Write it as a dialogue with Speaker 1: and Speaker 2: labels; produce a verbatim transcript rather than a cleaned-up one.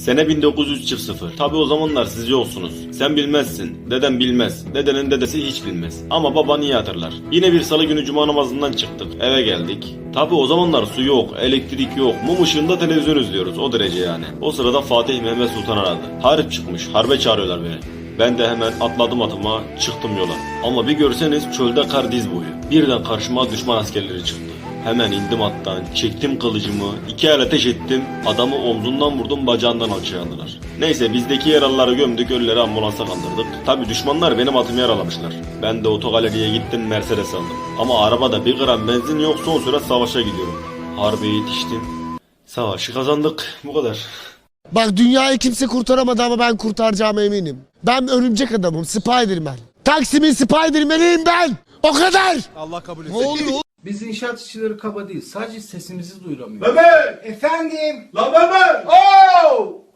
Speaker 1: Sene bin dokuz yüz sıfır. Tabi o zamanlar siz yoksunuz. Sen bilmezsin. Deden bilmez. Dedenin dedesi hiç bilmez. Ama baban iyi hatırlar. Yine bir salı günü cuma namazından çıktık. Eve geldik. Tabi o zamanlar su yok, elektrik yok. Mum ışığında televizyon izliyoruz. O derece yani. O sırada Fatih Mehmet Sultan aradı. Harp çıkmış. Harbe çağırıyorlar beni. Ben de hemen atladım atıma, çıktım yola. Ama bir görseniz çölde kar diz boyu. Birden karşıma düşman askerleri çıktı. Hemen indim attan, çektim kılıcımı, iki el ateş ettim, adamı omzundan vurdum, bacağından alçıya aldılar. Neyse bizdeki yaralıları gömdük, ölüleri ambulansa kaldırdık. Tabi düşmanlar benim atımı yaralamışlar. Ben de otogaleriye gittim, Mercedes aldım. Ama arabada bir gram benzin yok, son sürat savaşa gidiyorum. Harbe yetiştim. Savaşı kazandık, bu kadar.
Speaker 2: Bak dünyayı kimse kurtaramadı ama ben kurtaracağıma eminim. Ben örümcek adamım, Spiderman. Taksim'in Spiderman'iyim ben. O kadar.
Speaker 3: Allah kabul etsin.
Speaker 2: Ne oluyor?
Speaker 4: Biz inşaat işçileri kaba değil. Sadece sesimizi duyuramıyoruz.
Speaker 5: Mehmet!
Speaker 4: Efendim?
Speaker 5: La Mehmet!
Speaker 4: Oo!